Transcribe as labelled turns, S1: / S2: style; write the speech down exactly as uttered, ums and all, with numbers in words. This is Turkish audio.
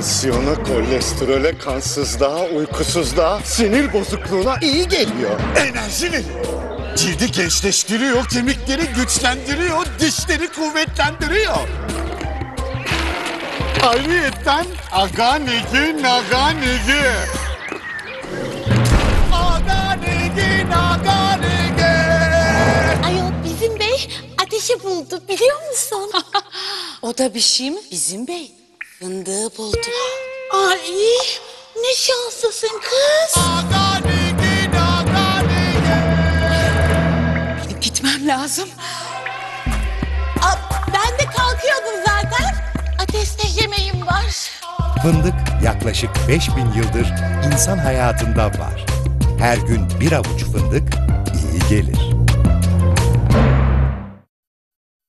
S1: Tansiyona, kolesterole, kansızlığa, uykusuzluğa, sinir bozukluğuna iyi geliyor. Enerji veriyor. Cildi gençleştiriyor, kemikleri güçlendiriyor, dişleri kuvvetlendiriyor. Ayrıyeten aganigi naganigi. Aganigi naganigi.
S2: Ayol bizim bey ateşi buldu biliyor musun?
S3: O da bir şey mi bizim bey? Fındığı buldu.
S2: Ay ne şanslısın kız.
S1: Aganigi naganigi.
S3: Benim gitmem lazım.
S2: Aa, ben de kalkıyordum zaten. Ateşte yemeğim var.
S4: Fındık yaklaşık beş bin yıldır insan hayatında var. Her gün bir avuç fındık iyi gelir.